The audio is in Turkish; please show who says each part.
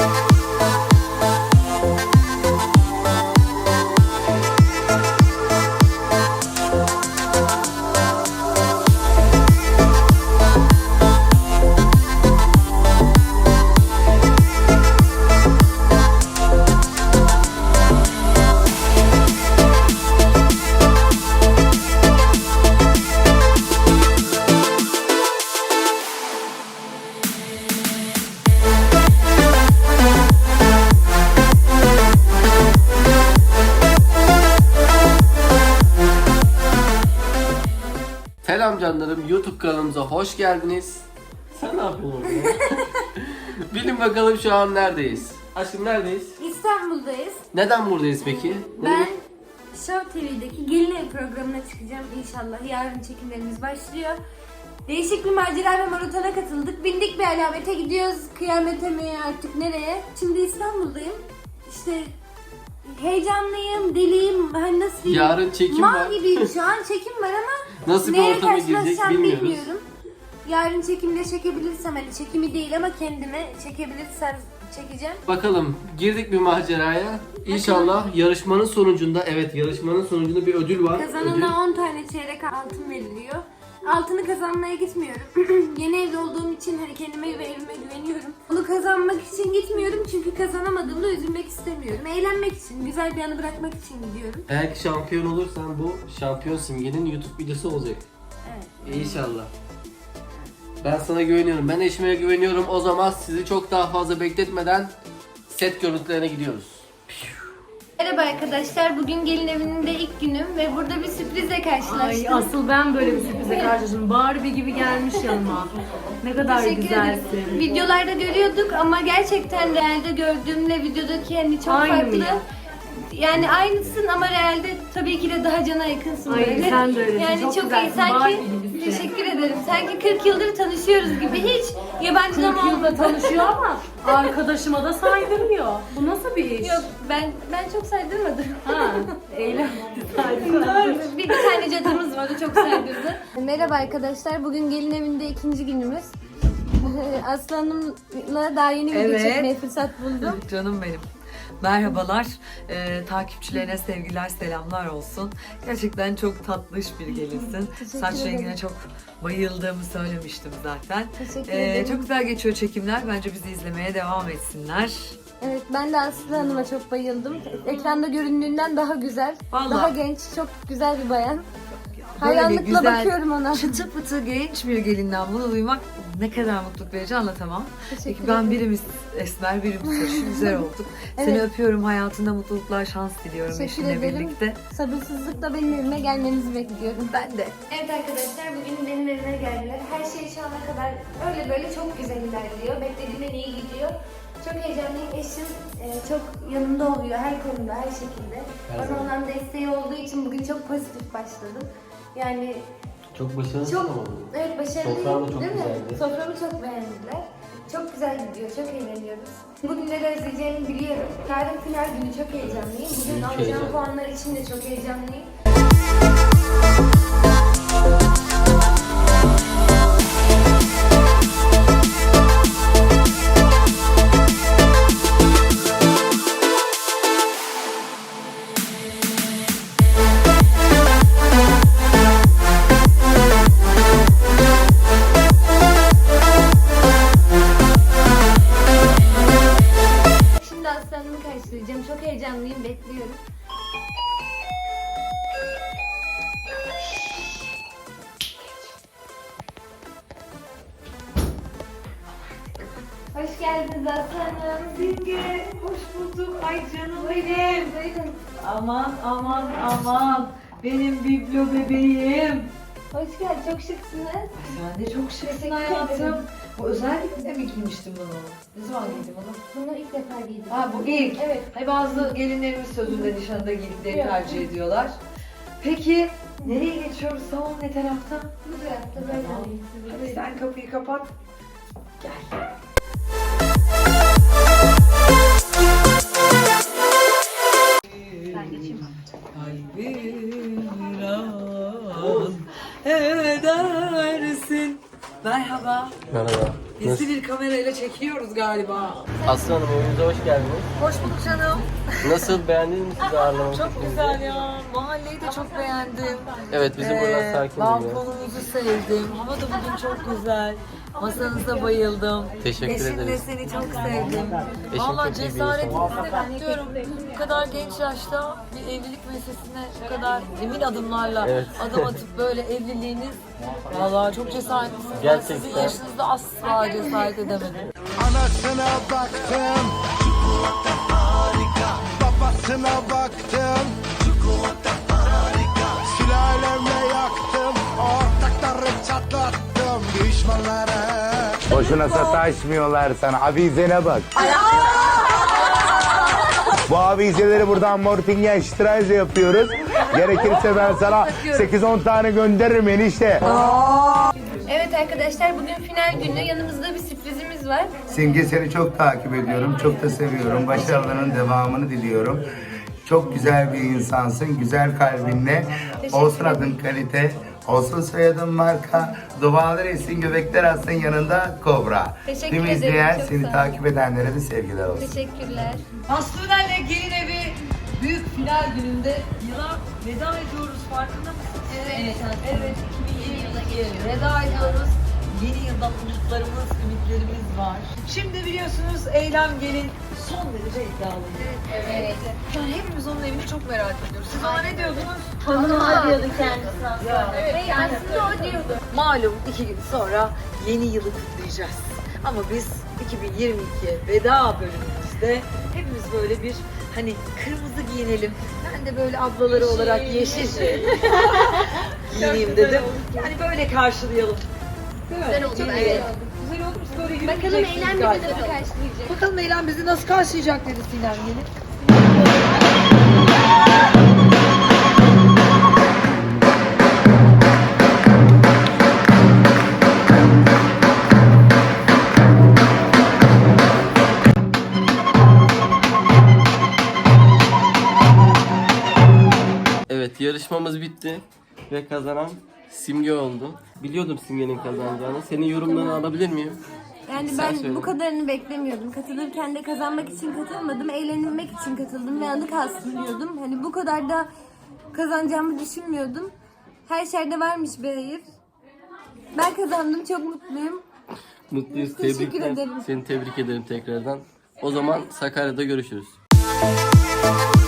Speaker 1: Selam canlarım, YouTube kanalımıza hoş geldiniz. Sen ne yapıyorsun orada? Bilin bakalım şu an neredeyiz? Aşkım neredeyiz?
Speaker 2: İstanbul'dayız.
Speaker 1: Neden buradayız peki?
Speaker 2: Ben Show TV'deki Gelin Evi programına çıkacağım inşallah. Yarın çekimlerimiz başlıyor. Değişik bir macera ve maratona katıldık. Bindik bir alamete gidiyoruz. Kıyamete mi artık nereye? Şimdi İstanbul'dayım. İşte heyecanlıyım, deliyim. Hani nasıl diyeyim?
Speaker 1: Yarın çekim var.
Speaker 2: Mal gibiyim şu an. Çekim var ama
Speaker 1: Nasıl bir
Speaker 2: neye
Speaker 1: ortama girecek
Speaker 2: karşılaşacağım
Speaker 1: bilmiyoruz.
Speaker 2: bilmiyorum. Yarın çekimde çekebilirsem, hani çekimi değil ama kendime çekebilirsem çekeceğim.
Speaker 1: Bakalım, girdik bir maceraya. İnşallah yarışmanın sonucunda, yarışmanın sonucunda bir ödül var.
Speaker 2: Kazanana 10 tane çeyrek altın veriliyor. Altını kazanmaya gitmiyorum. Yeni evli olduğum için hani kendime ve evime güveniyorum. Onu kazanmak için gitmiyorum çünkü kazanamadığımda üzülmek istemiyorum. Eğlenmek için, güzel bir anı bırakmak için gidiyorum.
Speaker 1: Eğer ki şampiyon olursan bu şampiyon simgenin YouTube videosu olacak.
Speaker 2: Evet.
Speaker 1: İnşallah. Ben sana güveniyorum. Ben eşime güveniyorum. O zaman sizi çok daha fazla bekletmeden set görüntülerine gidiyoruz.
Speaker 2: Merhaba arkadaşlar, bugün gelin evinin de ilk günüm ve burada bir sürprizle karşılaştım.
Speaker 3: Ay asıl ben böyle bir sürprize karşılaştım. Barbie gibi gelmiş yanıma. Ne kadar
Speaker 2: Teşekkür ederim.
Speaker 3: güzelsin.
Speaker 2: Videolarda görüyorduk ama gerçekten realde gördüğümle videodaki hani çok
Speaker 3: Aynı
Speaker 2: farklı.
Speaker 3: mı ya?
Speaker 2: Yani aynısın ama realde tabii ki de daha cana yakınsın
Speaker 3: Ay,
Speaker 2: böyle.
Speaker 3: sen de öylesin.
Speaker 2: Yani
Speaker 3: Çok
Speaker 2: çok iyi.
Speaker 3: güzelsin.
Speaker 2: Sanki
Speaker 3: Barbie gibisin.
Speaker 2: teşekkür ederim. Sanki 40 yıldır tanışıyoruz gibi, hiç
Speaker 3: 40
Speaker 2: yabancılama
Speaker 3: yılda
Speaker 2: olmadı.
Speaker 3: tanışıyor ama arkadaşıma da saydırmıyor. Bu nasıl bir iş?
Speaker 2: Yok, ben çok saydırmadım.
Speaker 3: Ha, eğlen.
Speaker 2: Doğru. Bir tane cadımız var, o çok saydırdı. Merhaba arkadaşlar, bugün gelin evinde ikinci günümüz. Aslanımla daha yeni video
Speaker 4: Evet.
Speaker 2: çekmeye fırsat buldum.
Speaker 4: Canım benim. Merhabalar. Takipçilerine sevgiler, selamlar olsun. Gerçekten çok tatlış bir gelinsin. Saç
Speaker 2: ederim.
Speaker 4: rengine çok bayıldığımı söylemiştim zaten.
Speaker 2: Teşekkür ederim.
Speaker 4: Çok güzel geçiyor çekimler. Bence bizi izlemeye devam etsinler.
Speaker 2: Evet, ben de Aslı Hanım'a çok bayıldım. Ekranda göründüğünden daha güzel,
Speaker 4: Vallahi.
Speaker 2: daha genç, çok güzel bir bayan.
Speaker 4: Böyle
Speaker 2: Hayranlıkla
Speaker 4: güzel,
Speaker 2: bakıyorum ona.
Speaker 4: çıtı pıtı genç bir gelinden bunu duymak ne kadar mutluluk verici anlatamam.
Speaker 2: Teşekkür
Speaker 4: Peki ben
Speaker 2: ederim.
Speaker 4: birimiz esmer, birimiz sarışın, güzel olduk. Seni
Speaker 2: Evet.
Speaker 4: öpüyorum, hayatında mutluluklar, şans diliyorum
Speaker 2: Teşekkür
Speaker 4: eşinle
Speaker 2: ederim.
Speaker 4: birlikte.
Speaker 2: Sabırsızlıkla benim evime gelmenizi bekliyorum.
Speaker 4: Ben de.
Speaker 2: Evet arkadaşlar, bugün benim evime geldiler. Her şey şu ana kadar öyle böyle çok güzel ilerliyor. Beklediğimden iyi gidiyor. Çok heyecanlıyım. Eşim çok yanımda oluyor her konuda, her şekilde. Bana olan desteği olduğu için bugün çok pozitif başladım. Yani
Speaker 1: Çok başarılı
Speaker 2: çok,
Speaker 1: oldu.
Speaker 2: evet, başarılıyım,
Speaker 1: Sofran da çok
Speaker 2: değil mi?
Speaker 1: güzeldi.
Speaker 2: Soframı çok beğendiler. Çok güzel gidiyor, çok eğleniyoruz. Bugünleri özleyeceğimi biliyorum. Yarın final günü çok heyecanlıyım. Bugün alacağım
Speaker 1: heyecanlı.
Speaker 2: puanlar için de çok heyecanlıyım. Şimdi aslanımı karşılayacağım. Çok heyecanlıyım, bekliyorum. Hoş geldiniz aslanım.
Speaker 4: Simge, hoş bulduk. Ay canım benim.
Speaker 2: Buyurun.
Speaker 4: Aman aman aman. Benim biblo bebeğim.
Speaker 2: Hoş geldin. Çok şıksınız.
Speaker 4: Sen de çok şıksın
Speaker 2: Teşekkür
Speaker 4: hayatım.
Speaker 2: ederim.
Speaker 4: Bu özellikle mi giymiştin bunu? Ne zaman giydin bunu?
Speaker 2: Bunu ilk defa giydim.
Speaker 4: Ha bu ilk.
Speaker 2: Evet.
Speaker 4: Hani bazı gelinlerimiz sözünde nişanda giydiklerini
Speaker 2: Yok.
Speaker 4: tercih ediyorlar. Peki nereye geçiyoruz? Salon ne tarafta?
Speaker 2: Bu tarafta böyle
Speaker 4: Tamam.
Speaker 2: alayım sizi.
Speaker 4: Hadi sen kapıyı kapat. Gel.
Speaker 2: Ben geçeyim.
Speaker 4: Kalbim viran edersin. Merhaba.
Speaker 1: Merhaba.
Speaker 4: Gizli bir kamerayla böyle çekiliyoruz galiba.
Speaker 1: Aslı Hanım evimize hoş geldiniz.
Speaker 4: Hoş bulduk canım.
Speaker 1: Nasıl, beğendiniz mi sizi ağırlamak?
Speaker 4: Çok güzel ya. Mahalleyi de çok beğendim.
Speaker 1: Evet, bizim burada sakin oluyor.
Speaker 4: Balkonumuzu sevdim. Hava da bugün çok güzel. Masanıza bayıldım.
Speaker 1: Teşekkür
Speaker 4: Eşimle
Speaker 1: ederiz.
Speaker 4: seni çok sevdim.
Speaker 1: Eşim
Speaker 4: Valla
Speaker 1: çok iyi bir
Speaker 4: cesaretinizi de kutluyorum. Bu kadar genç yaşta bir evlilik meselesine bu kadar emin adımlarla
Speaker 1: Evet.
Speaker 4: adım atıp böyle evliliğiniz valla çok cesaretlisiniz. Ben
Speaker 1: Gerçekten.
Speaker 4: sizin yaşınızda asla cesaret edemedim.
Speaker 5: Anasına baktım, çikolata harika. Babasına baktım, çikolata harika. Sülalemle yaktım, ortakları çatlattım. Düşmanlara
Speaker 6: Boşuna sataşmıyorlar sana. Avizene bak. Bu avizeleri buradan Mortingen Streise yapıyoruz. Gerekirse ben sana 8-10 tane gönderirim enişte.
Speaker 2: Evet arkadaşlar, bugün final günü. Yanımızda bir sürprizimiz var.
Speaker 6: Simge, seni çok takip ediyorum. Çok da seviyorum. Başarılarının devamını diliyorum. Çok güzel bir insansın. Güzel kalbinle. Olsun adın kalite. Olsun soyadın marka. Dualar etsin, göbekler atsın yanında kobra.
Speaker 2: Teşekkür
Speaker 6: Tüm
Speaker 2: ederim,
Speaker 6: izleyen,
Speaker 2: çok
Speaker 6: seni
Speaker 2: sağ ol.
Speaker 6: takip edenlere de sevgiler olsun.
Speaker 2: Teşekkürler.
Speaker 4: Aslı'nenle gelin evi büyük final gününde yıla veda ediyoruz, farkında mısınız? Evet. Evet. 2022'ye veda ediyoruz. Yeni yılda umutlarımız, ümitlerimiz var. Şimdi biliyorsunuz Eylem Gelin son derece iddialı.
Speaker 2: Evet.
Speaker 4: Yani hepimiz onun evini çok merak ediyoruz. Siz ona ne diyordunuz?
Speaker 2: Hanıma diyordu kendisi aslında. Evet, aslında o diyordu.
Speaker 4: Malum 2 gün sonra yeni yılı kutlayacağız. Ama biz 2022'ye veda bölümümüzde hepimiz böyle bir hani kırmızı giyinelim. Ben de böyle ablaları olarak yeşil giyineyim dedim. Yani böyle karşılayalım. Değil mi?
Speaker 2: Güzel oldu bence.
Speaker 4: Evet. Güzel oldu. Siz böyle
Speaker 2: Bakalım
Speaker 4: yürüyeceksiniz
Speaker 2: Eylem bizi
Speaker 4: galiba.
Speaker 2: nasıl karşılayacak.
Speaker 4: Bakalım Eylem bizi nasıl karşılayacak dedi Sinem Gelin.
Speaker 1: Evet, yarışmamız bitti ve kazanan Simge oldu. Biliyordum Simge'nin kazanacağını. Senin yorumlarını alabilir miyim?
Speaker 2: Yani
Speaker 1: Sen
Speaker 2: ben
Speaker 1: söyle.
Speaker 2: bu kadarını beklemiyordum. Katılırken de kazanmak için katılmadım. Eğlenmek için katıldım ve anı kalsın diyordum. Hani bu kadar da kazanacağımı düşünmüyordum. Her şerde varmış bir hayır. Ben kazandım. Çok mutluyum.
Speaker 1: Mutluyuz.
Speaker 2: Teşekkür
Speaker 1: Tebrikler.
Speaker 2: ederim.
Speaker 1: Seni tebrik ederim tekrardan. O zaman Sakarya'da görüşürüz.